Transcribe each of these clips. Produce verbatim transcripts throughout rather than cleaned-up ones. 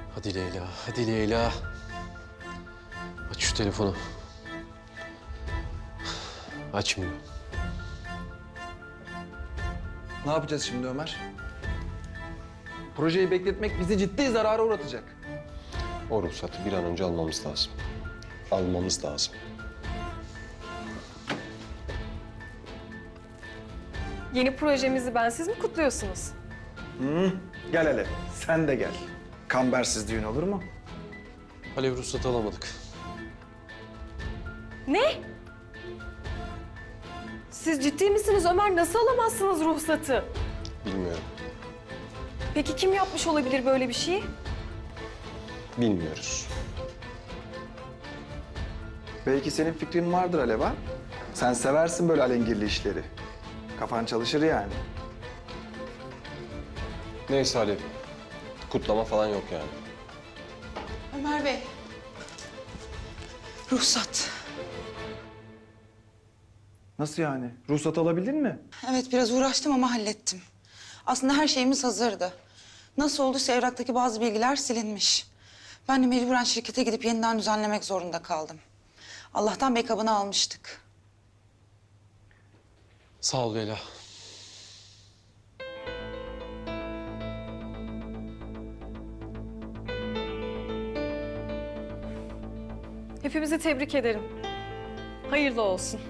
Hadi Leyla, hadi Leyla. Aç şu telefonu. Açmıyor. Ne yapacağız şimdi Ömer? Projeyi bekletmek bizi ciddi zarara uğratacak. O ruhsatı bir an önce almamız lazım. Almamız lazım. Yeni projemizi bensiz mi kutluyorsunuz? Gel hele, sen de gel. Kambersiz düğün olur mu? Alev ruhsatı alamadık. Ne? Siz ciddi misiniz Ömer? Nasıl alamazsınız ruhsatı? Bilmiyorum. Peki kim yapmış olabilir böyle bir şeyi? Bilmiyoruz. Belki senin fikrin vardır Alev ha? Sen seversin böyle alengirli işleri. Kafan çalışır yani. Neyse Alev. Kutlama falan yok yani. Ömer Bey. Ruhsat. Nasıl yani? Ruhsat alabildin mi? Evet biraz uğraştım ama hallettim. Aslında her şeyimiz hazırdı. Nasıl olduysa evraktaki bazı bilgiler silinmiş. Ben de mecburen şirkete gidip yeniden düzenlemek zorunda kaldım. Allah'tan backup'ını almıştık. Sağ ol Leyla. Hepimizi tebrik ederim. Hayırlı olsun.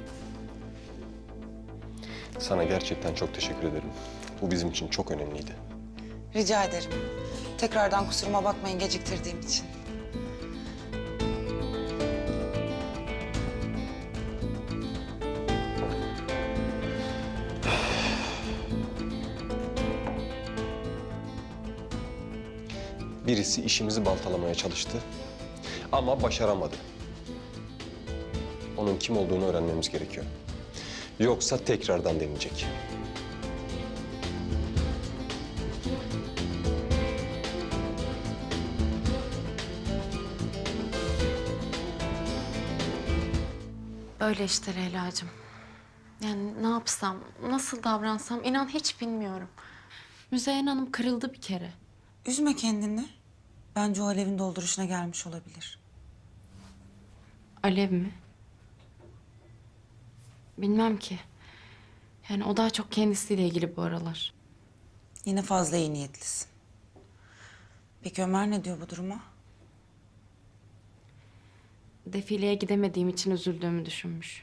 Sana gerçekten çok teşekkür ederim. Bu bizim için çok önemliydi. Rica ederim. Tekrardan kusuruma bakmayın geciktirdiğim için. Birisi işimizi baltalamaya çalıştı ama başaramadı. Onun kim olduğunu öğrenmemiz gerekiyor. Yoksa tekrardan deneyecek. Öyle işte Leyla'cığım. Yani ne yapsam, nasıl davransam inan hiç bilmiyorum. Müzeyyen Hanım kırıldı bir kere. Üzme kendini. Bence o alevin dolduruşuna gelmiş olabilir. Alev mi? Bilmem ki. Yani o daha çok kendisiyle ilgili bu aralar. Yine fazla iyi niyetlisin. Peki Ömer ne diyor bu duruma? Defileye gidemediğim için üzüldüğümü düşünmüş.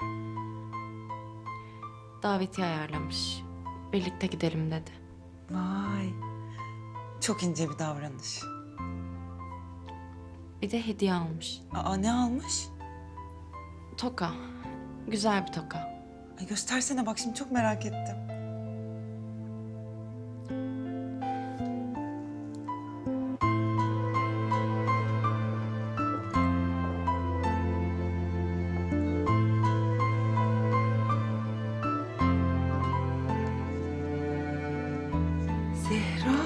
Davetiye ayarlamış. Birlikte gidelim dedi. Vay. Çok ince bir davranış. Bir de hediye almış. Aa ne almış? Toka. Güzel bir toka. Ay göstersene bak şimdi çok merak ettim. Zehra.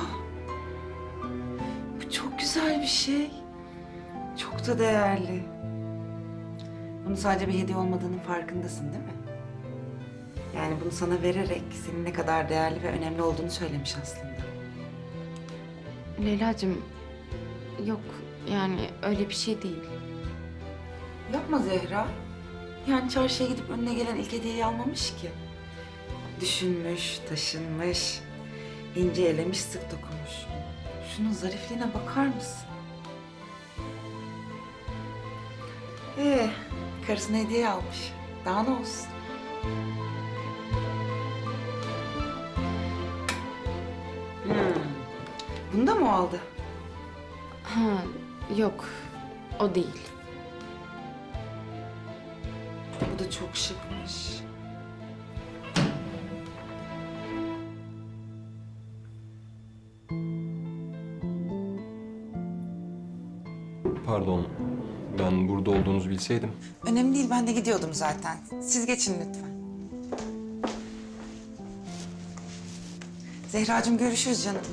Bu çok güzel bir şey. Çok da değerli. Bunu sadece bir hediye olmadığının farkındasın değil mi? Yani bunu sana vererek senin ne kadar değerli ve önemli olduğunu söylemiş aslında. Leyla'cığım yok yani öyle bir şey değil. Yapma Zehra. Yani çarşıya gidip önüne gelen ilk hediyeyi almamış ki. Düşünmüş, taşınmış, ince elemiş, sık dokunmuş. Şunun zarifliğine bakar mısın? Ee, karısına hediye almış. Daha ne olsun? Hmm. Bunu da mı aldı? Ha yok o değil. Bu da çok şıkmış. Pardon, ben burada olduğunuzu bilseydim. Önemli değil, ben de gidiyordum zaten. Siz geçin lütfen. Zehracığım görüşürüz canım.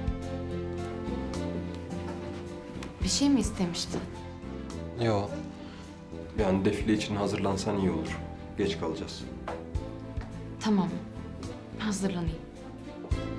Bir şey mi istemiştin? Yo, Yani defile için hazırlansan iyi olur. Geç kalacağız. Tamam, hazırlanayım.